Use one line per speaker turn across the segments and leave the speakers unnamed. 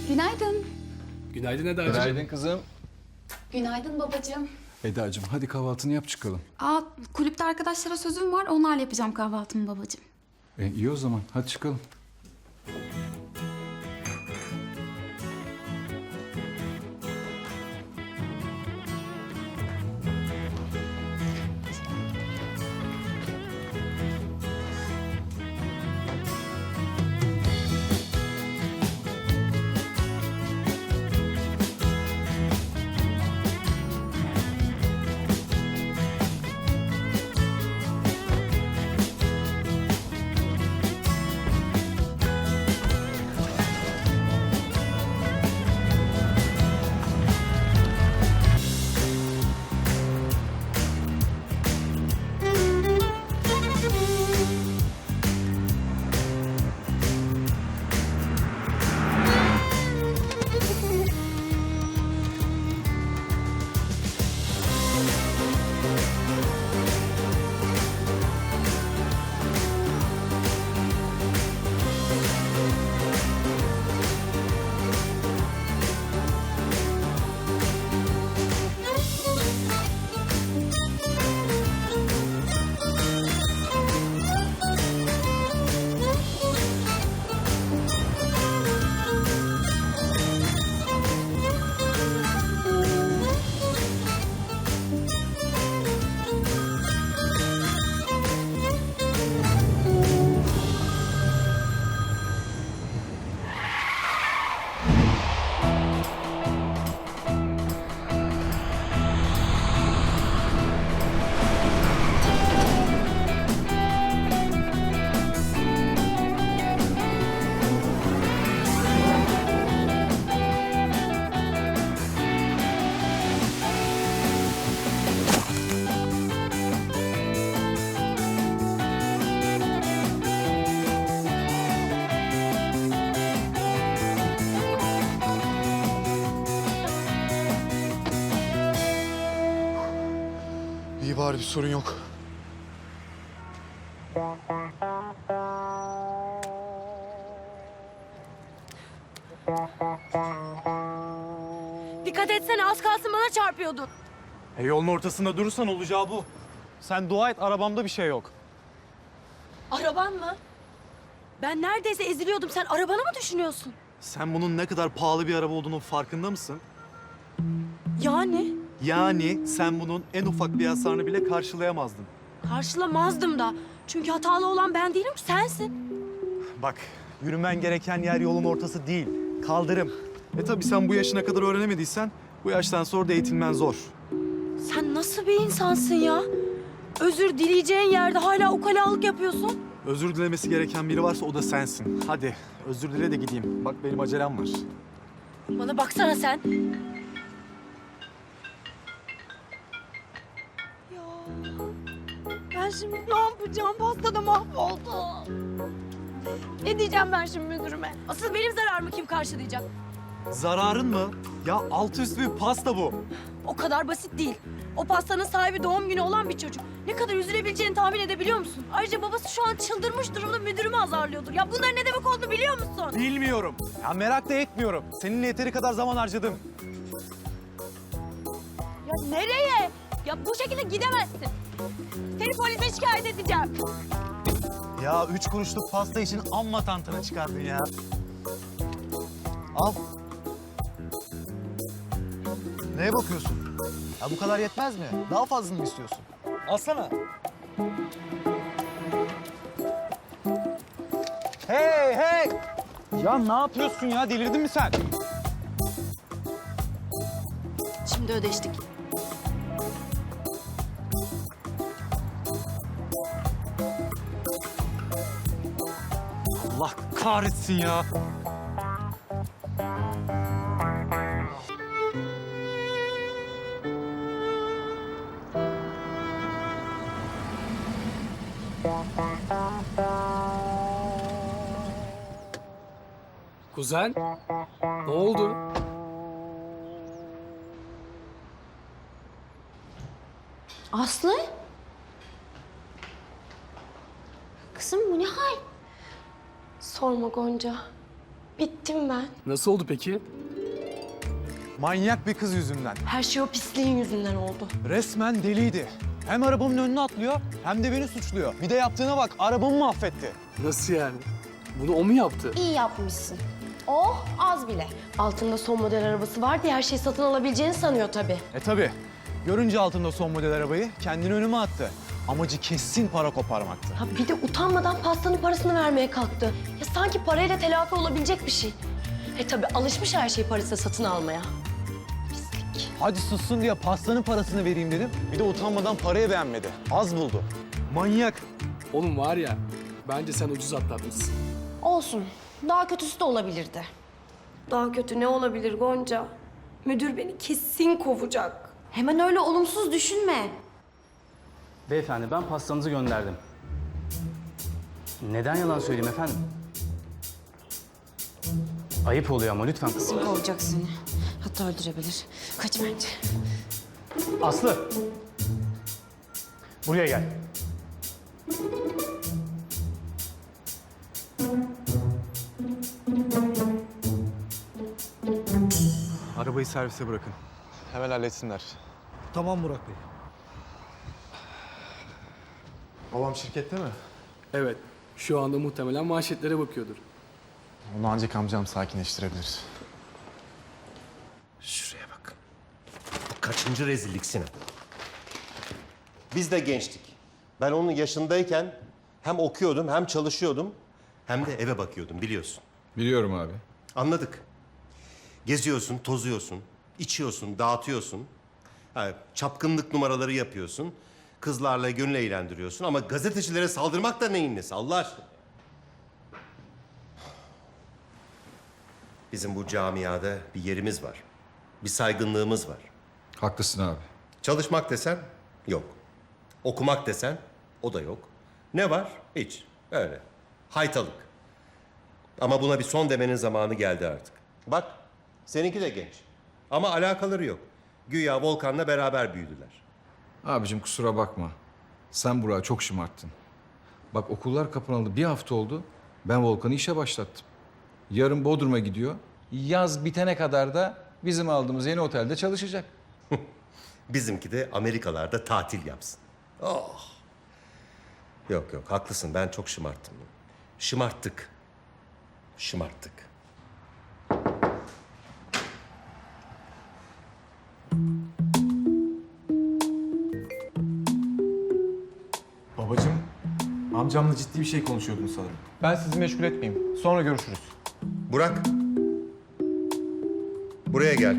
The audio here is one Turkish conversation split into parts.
Günaydın.
Günaydın Eda'cığım.
Günaydın kızım.
Günaydın babacığım.
Eda'cığım hadi kahvaltını yap çıkalım.
Kulüpte arkadaşlara sözüm var. Onlarla yapacağım kahvaltımı babacığım.
İyi o zaman hadi çıkalım.
İyi bari bir sorun yok.
Dikkat etsene, az kalsın bana çarpıyordun.
Yolun ortasında durursan olacağı bu. Sen dua et, arabamda bir şey yok.
Araban mı? Ben neredeyse eziliyordum. Sen arabanı mı düşünüyorsun?
Sen bunun ne kadar pahalı bir araba olduğunun farkında mısın?
Yani
Yani sen bunun en ufak bir hasarını bile karşılayamazdın.
karşılamazdım da. Çünkü hatalı olan ben değilim, sensin.
Bak, yürümen gereken yer yolun ortası değil, kaldırım. Tabii sen bu yaşına kadar öğrenemediysen, bu yaştan sonra da eğitilmen zor.
Sen nasıl bir insansın ya? Özür dileyeceğin yerde hala ukalalık yapıyorsun.
Özür dilemesi gereken biri varsa o da sensin. Hadi, özür dile de gideyim. Bak benim acelem var.
Bana baksana sen. Ya ben şimdi ne yapacağım? Pasta da mahvoldu. Ne diyeceğim ben şimdi müdürüme? Asıl benim zararımı kim karşılayacak?
Zararın mı? Ya altı üstü bir pasta bu.
O kadar basit değil. O pastanın sahibi doğum günü olan bir çocuk. Ne kadar üzülebileceğini tahmin edebiliyor musun? Ayrıca babası şu an çıldırmış durumda müdürümü azarlıyordur. Ya bunların ne demek olduğunu biliyor musun?
Bilmiyorum. Ya merak da etmiyorum. Seninle yeteri kadar zaman harcadım.
Ya nereye? Ya bu şekilde gidemezsin. Seni polise şikayet edeceğim.
Ya 3 kuruşluk pasta için amma tantana çıkardın ya. Al. Neye bakıyorsun? Ya bu kadar yetmez mi? Daha fazlasını mı istiyorsun? Alsana. Hey hey! Ya ne yapıyorsun ya? Delirdin mi sen?
Şimdi ödeştik.
Allah kahretsin ya.
Kuzen, ne oldu?
Aslı? Kızım bu ne hal?
Sorma Gonca.
Bittim ben.
Nasıl oldu peki?
Manyak bir kız yüzünden.
Her şey o pisliğin yüzünden oldu.
Resmen deliydi. Hem arabamın önüne atlıyor hem de beni suçluyor. Bir de yaptığına bak, arabamı mahvetti.
Nasıl yani? Bunu o mu yaptı?
İyi yapmışsın. Oh, az bile. Altında son model arabası var diye her şeyi satın alabileceğini sanıyor tabii.
Tabii. Görünce altımda son model arabayı kendini önüme attı. Amacı kesin para koparmaktı.
Ha bir de utanmadan pastanın parasını vermeye kalktı. Ya sanki parayla telafi olabilecek bir şey. Tabii alışmış her şeyi parasıyla satın almaya. Pislik.
Hadi sussun diye pastanın parasını vereyim dedim. Bir de utanmadan parayı beğenmedi. Az buldu. Manyak.
Oğlum var ya, bence sen ucuz atlatmışsın.
Olsun. Daha kötüsü de olabilirdi.
Daha kötü ne olabilir Gonca? Müdür beni kesin kovacak.
Hemen öyle olumsuz düşünme.
Beyefendi ben pastanızı gönderdim. Neden yalan söyleyeyim efendim? Ayıp oluyor ama lütfen.
Kim kovacak seni? Hatta öldürebilir. Kaç bence.
Aslı! Buraya gel.
Arabayı servise bırakın. Hemen halletsinler.
Tamam Burak Bey.
Babam şirkette mi?
Evet, şu anda muhtemelen manşetlere bakıyordur.
Onu ancak amcam sakinleştirebilir.
Şuraya bak. Kaçıncı rezillik Sinan? Biz de gençtik. Ben onun yaşındayken hem okuyordum hem çalışıyordum hem de eve bakıyordum biliyorsun.
Biliyorum abi.
Anladık. Geziyorsun, tozuyorsun, içiyorsun, dağıtıyorsun. Ha, çapkınlık numaraları yapıyorsun. Kızlarla gönül eğlendiriyorsun ama gazetecilere saldırmak da neyin nesi Allah aşkına? Bizim bu camiada bir yerimiz var. Bir saygınlığımız var.
Haklısın abi.
Çalışmak desen yok. Okumak desen o da yok. Ne var? Hiç. Öyle. Haytalık. Ama buna bir son demenin zamanı geldi artık. Bak, seninki de genç. Ama alakaları yok. Güya Volkan'la beraber büyüdüler.
Abicim kusura bakma. Sen Burak'ı çok şımarttın. Bak okullar kapanalı bir hafta oldu. Ben Volkan'ı işe başlattım. Yarın Bodrum'a gidiyor. Yaz bitene kadar da bizim aldığımız yeni otelde çalışacak.
Bizimki de Amerikalarda tatil yapsın. Oh. Yok yok, haklısın. Ben çok şımarttım. Şımarttık. Şımarttık.
Babacığım, amcamla ciddi bir şey konuşuyordun sanırım.
Ben sizi meşgul etmeyeyim. Sonra görüşürüz.
Burak. Buraya gel.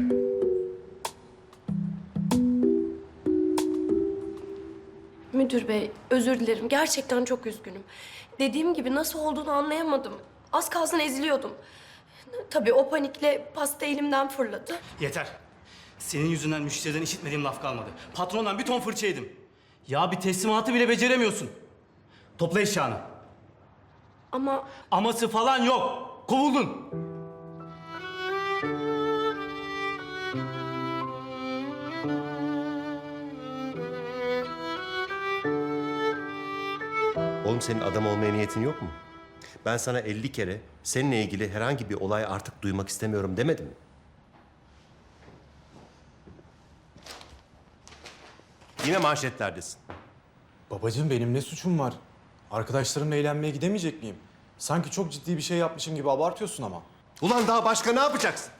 Müdür bey, özür dilerim. Gerçekten çok üzgünüm. Dediğim gibi nasıl olduğunu anlayamadım. Az kalsın eziliyordum. Tabii o panikle pasta elimden fırladı.
Yeter. Senin yüzünden müşteriden işitmediğim laf kalmadı. Patrondan bir ton fırça yedim. Ya bir teslimatı bile beceremiyorsun. Topla eşyanı.
Ama
Aması falan yok. Kovuldun.
Oğlum senin adam olmaya niyetin yok mu? Ben sana 50 kere seninle ilgili herhangi bir olay artık duymak istemiyorum demedim mi? Yine manşetlerdesin.
Babacığım benim ne suçum var? Arkadaşlarımla eğlenmeye gidemeyecek miyim? Sanki çok ciddi bir şey yapmışım gibi abartıyorsun ama.
Ulan daha başka ne yapacaksın?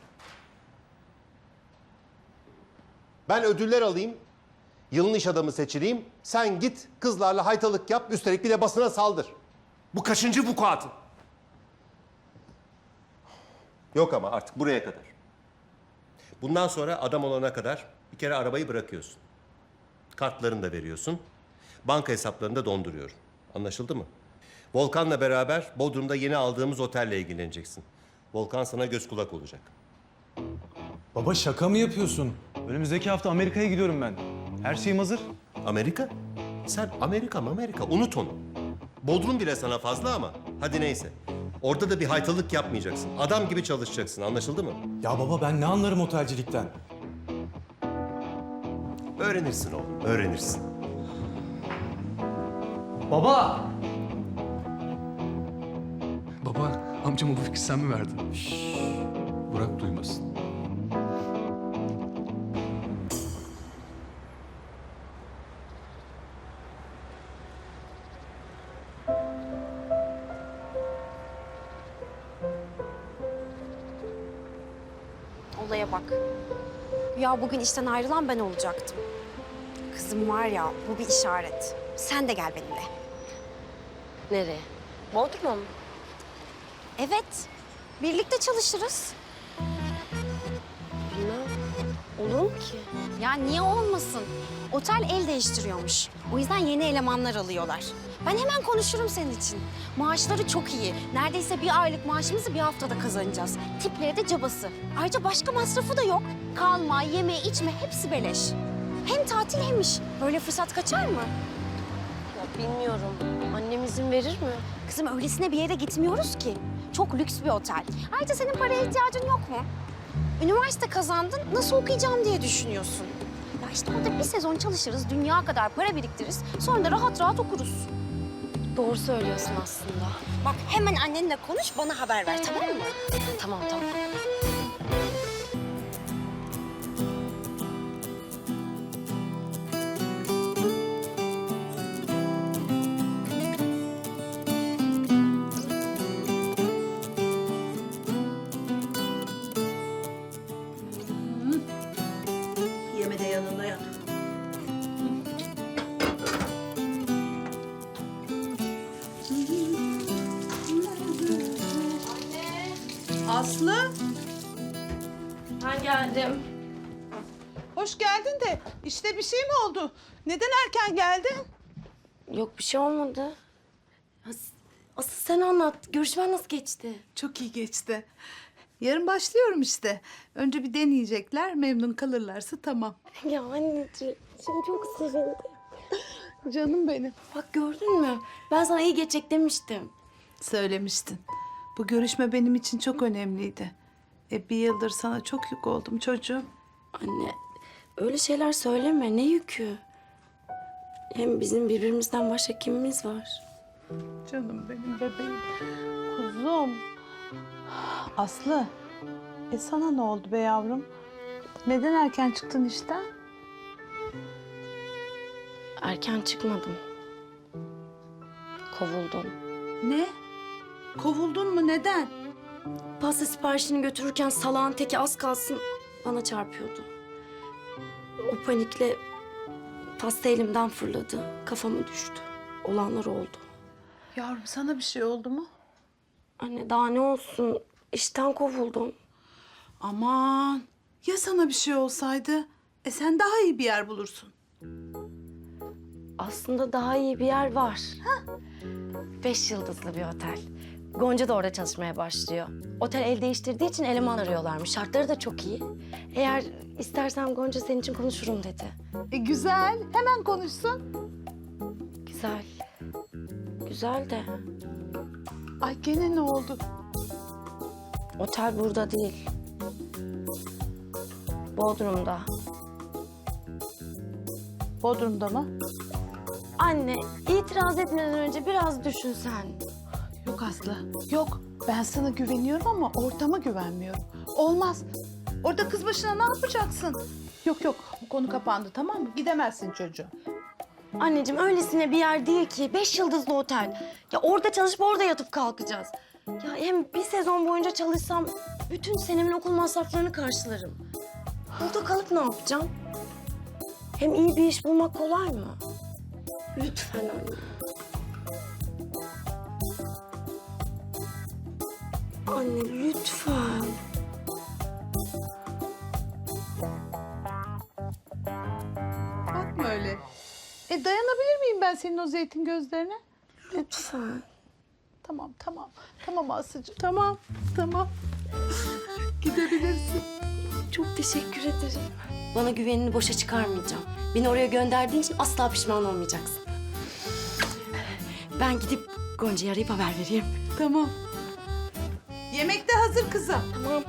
Ben ödüller alayım, yılın iş adamı seçileyim. Sen git kızlarla haytalık yap, üstelik bir de basına saldır. Bu kaçıncı vukuatın? Yok ama artık buraya kadar. Bundan sonra adam olana kadar bir kere arabayı bırakıyorsun. Kartlarını da veriyorsun. Banka hesaplarını da donduruyorum. Anlaşıldı mı? Volkan'la beraber Bodrum'da yeni aldığımız otelle ilgileneceksin. Volkan sana göz kulak olacak.
Baba şaka mı yapıyorsun?
Önümüzdeki hafta Amerika'ya gidiyorum ben. Her şeyim hazır.
Amerika? Sen Amerika unut onu. Bodrum bile sana fazla ama hadi neyse. Orada da bir haytalık yapmayacaksın. Adam gibi çalışacaksın, anlaşıldı mı?
Ya baba ben ne anlarım otelcilikten?
Öğrenirsin oğlum, öğrenirsin.
Baba!
Baba
Amcama bu fikri sen mi verdin?
Burak duymasın.
Olaya bak. Ya bugün işten ayrılan ben olacaktım. Kızım var ya, bu bir işaret. Sen de gel benimle.
Nereye? Bodrum'a mı?
Evet, birlikte çalışırız.
Bilmem. Olur mu ki?
Ya niye olmasın? Otel el değiştiriyormuş. O yüzden yeni elemanlar alıyorlar. Ben hemen konuşurum senin için. Maaşları çok iyi. Neredeyse bir aylık maaşımızı bir haftada kazanacağız. Tipleri de cabası. Ayrıca başka masrafı da yok. Kalma, yeme, içme hepsi beleş. Hem tatil hem iş. Böyle fırsat kaçar mı?
Ya bilmiyorum. Annem izin verir mi?
Kızım öylesine bir yere gitmiyoruz ki. Çok lüks bir otel. Ayrıca senin paraya ihtiyacın yok mu? Üniversite kazandın, nasıl okuyacağım diye düşünüyorsun. Ya işte orada bir sezon çalışırız, dünya kadar para biriktiririz. Sonra da rahat rahat okuruz.
Doğru söylüyorsun aslında.
Bak hemen annenle konuş, bana haber ver tamam mı?
Tamam tamam.
Yeme de yanında yat. Aslı,
Ben geldim.
hoş geldin de işte bir şey mi oldu? Neden erken geldin?
Yok bir şey olmadı. Asıl sen anlat. Görüşmen nasıl geçti?
Çok iyi geçti. Yarın başlıyorum işte. Önce bir deneyecekler, memnun kalırlarsa tamam.
Ya anneciğim, şimdi çok sevindim.
Canım benim.
Bak gördün mü? Ben sana iyi geçecek demiştim.
Söylemiştin. Bu görüşme benim için çok önemliydi. Bir yıldır sana çok yük oldum çocuğum.
Anne, öyle şeyler söyleme. Ne yükü? Hem bizim birbirimizden başka kimimiz var?
Canım benim bebeğim. Kuzum. Aslı. Sana ne oldu be yavrum? Neden erken çıktın işten?
Erken çıkmadım. Kovuldum.
Ne? Kovuldun mu? Neden?
Pasta siparişini götürürken salağın teki az kalsın bana çarpıyordu. O panikle pasta elimden fırladı. Kafama düştü. Olanlar oldu.
Yavrum sana bir şey oldu mu?
Anne daha ne olsun? İşten kovuldum.
Aman. Ya sana bir şey olsaydı? Sen daha iyi bir yer bulursun.
Aslında daha iyi bir yer var. 5 yıldızlı bir otel. Gonca da orada çalışmaya başlıyor. Otel el değiştirdiği için eleman arıyorlarmış. Şartları da çok iyi. Eğer istersen Gonca senin için konuşurum dedi.
Güzel. Hemen konuşsun.
Güzel. Güzel de
Ay gene ne oldu?
otel burada değil. Bodrum'da.
Bodrum'da mı?
Anne, itiraz etmeden önce biraz düşünsen.
Yok Aslı. Yok. Ben sana güveniyorum ama ortama güvenmiyorum. Olmaz. Orada kız başına ne yapacaksın? Yok yok. Bu konu kapandı tamam mı? Gidemezsin çocuğum.
Anneciğim öylesine bir yer değil ki. 5 yıldızlı otel. Ya orada çalışıp orada yatıp kalkacağız. Ya hem bir sezon boyunca çalışsam bütün senemin okul masraflarını karşılarım. Burada kalıp ne yapacağım? Hem iyi bir iş bulmak kolay mı? Lütfen anne. Anne lütfen.
Bakma öyle. Dayanabilir miyim ben senin o zeytin gözlerine?
Lütfen.
Tamam tamam. Tamam Aslı'cığım. Tamam. Tamam. Gidebilirsin.
Çok teşekkür ederim. Bana güvenini boşa çıkarmayacağım. Beni oraya gönderdiğin için asla pişman olmayacaksın. Ben gidip Gonca'yı arayıp haber vereyim.
Tamam. Yemek de hazır kızım.
Tamam.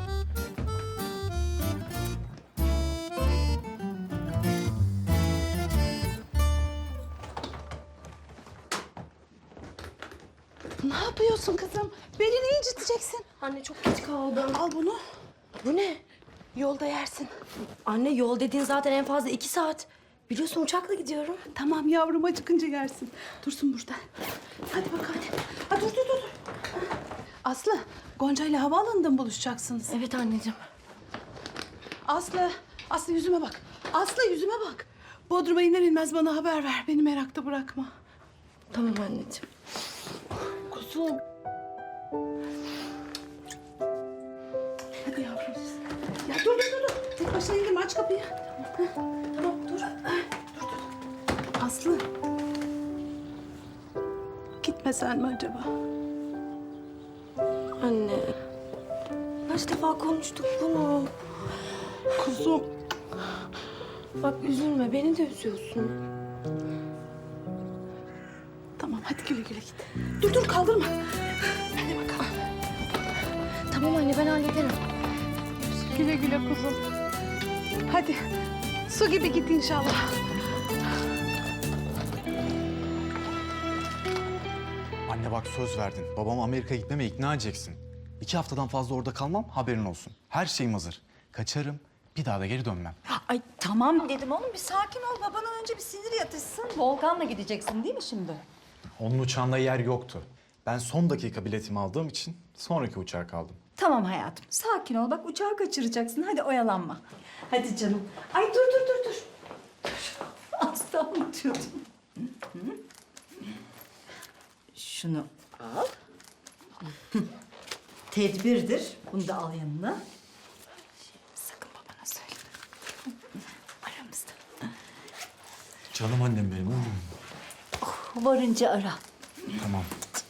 Ne yapıyorsun kızım? Belini inciteceksin.
Anne çok geç kaldım.
Al bunu.
Bu ne?
Yolda yersin.
Anne yol dediğin zaten en fazla 2 saat. Biliyorsun uçakla gidiyorum.
Tamam yavrum, acıkınca yersin. Dursun burada. Hadi bakalım. Ha, dur. Aslı, Gonca ile havaalanında mı buluşacaksınız?
Evet anneciğim.
Aslı yüzüme bak. Aslı yüzüme bak. Bodrum'a iner inmez bana haber ver. Beni merakta bırakma.
Tamam anneciğim.
Kuzum. Hadi yavrum. Ya dur. Tek başına indirme, aç kapıyı. Tamam, dur. Dur. Aslı. Gitmesen mi acaba?
Anne. Kaç defa konuştuk bunu.
Kuzum.
Bak üzülme, beni de üzüyorsun.
Tamam, hadi güle güle git. Dur, kaldırma. Hadi bakalım.
Tamam anne, ben hallederim.
Güle güle kuzum. Hadi. Su gibi git inşallah.
Anne bak söz verdin. Babam Amerika'ya gitmeme ikna edeceksin. 2 haftadan fazla orada kalmam, haberin olsun. Her şeyim hazır. Kaçarım, bir daha da geri dönmem.
Ay tamam dedim oğlum, bir sakin ol. Babanın önce bir sinir yatışsın. Volkan'la gideceksin değil mi şimdi?
Onun uçağında yer yoktu. Ben son dakika biletimi aldığım için sonraki uçağa kaldım.
Tamam hayatım, sakin ol. Bak uçağı kaçıracaksın. Hadi oyalanma. Hadi canım. Ay dur. Dur. Asla unutuyordum. Şunu al. Tedbirdir. Bunu da al yanına. Sakın babana söyleme. Aramızda.
Canım annem benim.
Varınca ara.
Tamam.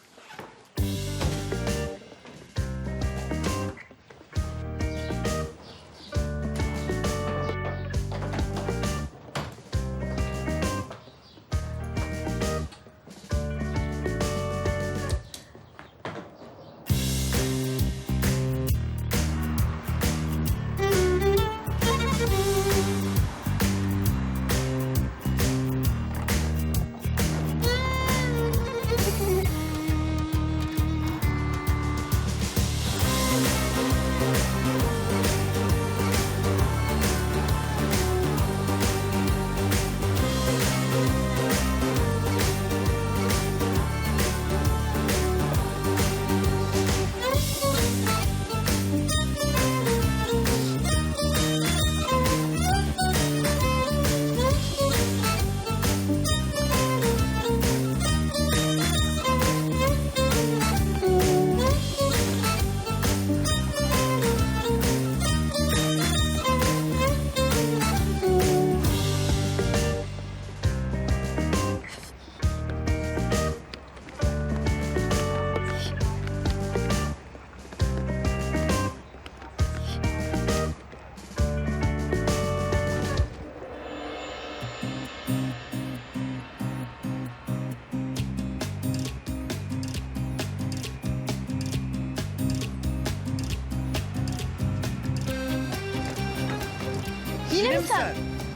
Yine mi sen?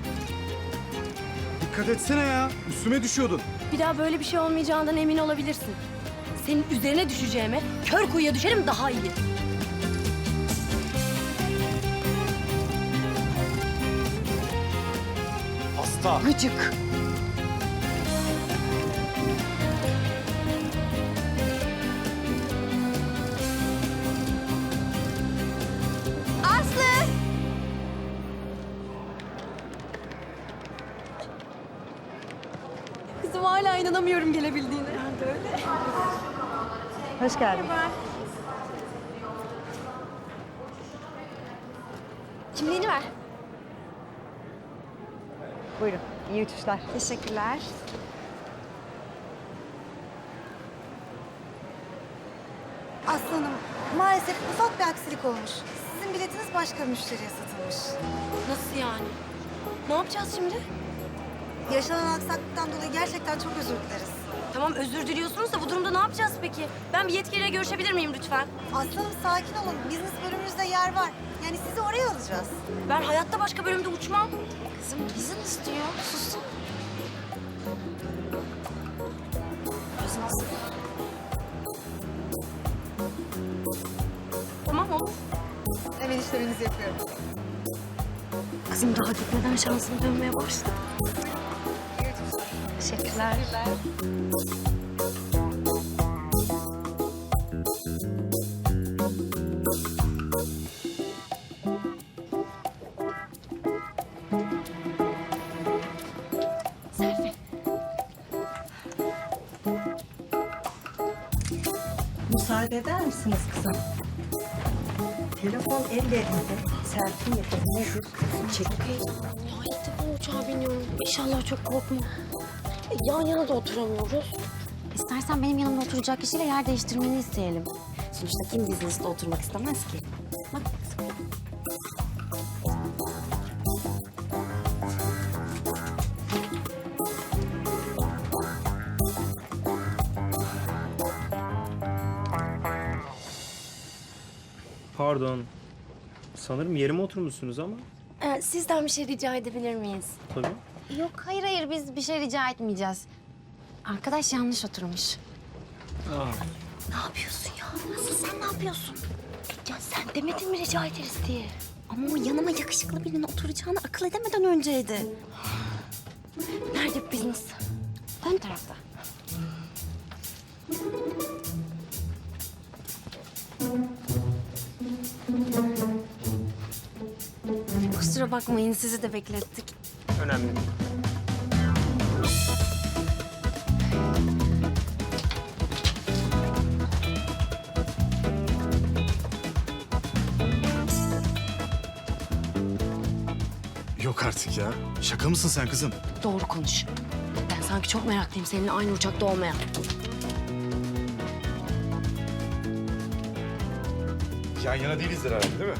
Dikkat etsene ya. Üstüme düşüyordun.
Bir daha böyle bir şey olmayacağından emin olabilirsin. Senin üzerine düşeceğime kör kuyuya düşerim daha iyi.
Hasta.
Gıcık.
Aslı!
Kızım hala inanamıyorum gelebildiğine. Ben de öyle.
Hoş geldin.
Kimliğini ver.
Buyurun, iyi uçuşlar.
Teşekkürler.
Aslanım, maalesef ufak bir aksilik olmuş. Sizin biletiniz başka müşteriye satılmış.
Nasıl yani? Ne yapacağız şimdi?
Yaşanan aksaklıktan dolayı gerçekten çok özür dileriz.
Tamam özür diliyorsunuz da bu durumda ne yapacağız peki? Ben bir yetkiliyle görüşebilir miyim lütfen?
Aslanım sakin olun. Business bölümümüzde yer var. Yani sizi oraya alacağız.
Ben hayatta başka bölümde uçmam.
Kızım izin istiyor. Sus.
Tamam. Hemen işleminizi yapıyorum.
Kızım daha gitmeden şansım dönmeye başladı. Teşekkürler.
Müsaade eder misiniz kızım? Telefon ellerinde. Selfie yapabilir. Çek.
Ya ilk defa uçağa biniyorum. İnşallah çok korkma. Yan yana da oturamıyoruz.
İstersen benim yanımda oturacak kişiyle yer değiştirmeni isteyelim. Sonuçta kim business'ta oturmak istemez ki? Bak.
Pardon. Sanırım yerime oturmuşsunuz ama.
Sizden bir şey rica edebilir miyiz?
Tabii.
Yok hayır biz bir şey rica etmeyeceğiz. Arkadaş yanlış oturmuş.
Ne yapıyorsun ya? Nasıl sen ne yapıyorsun? Ya sen demedin mi rica ederiz diye?
Ama o yanıma yakışıklı birinin oturacağını akıl edemeden önceydi.
Nerede business?
Ön tarafta. Kusura bakmayın sizi de beklettik.
Önemli.
Yok artık ya. Şaka mısın sen kızım?
Doğru konuş. Ben sanki çok meraklıyım seninle aynı uçakta olmaya.
Yan yana değilizdir herhalde değil mi?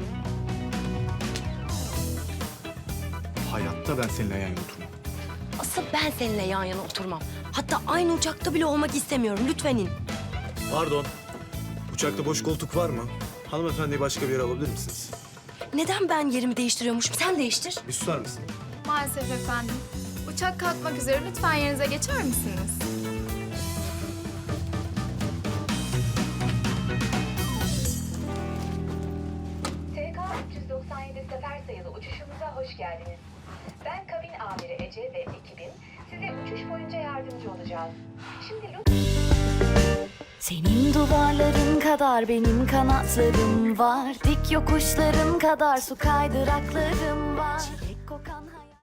Hayatta ben seninle yan yana oturmam.
Asıl ben seninle yan yana oturmam. Hatta aynı uçakta bile olmak istemiyorum. Lütfen in.
Pardon. Uçakta boş koltuk var mı? Hanımefendiyi başka bir yere alabilir misiniz?
Neden ben yerimi değiştiriyormuşum? Sen değiştir.
Bir susar mısın?
Maalesef efendim. Uçak kalkmak üzere, lütfen yerinize geçer misiniz?
TK 397 sefer sayılı uçuşumuza hoş geldiniz. Ben kabin amiri Ece ve ekibim size uçuş boyunca yardımcı olacağız. Şimdi
Senin duvarların kadar benim kanatlarım var. Dik yokuşların kadar su kaydıraklarım var.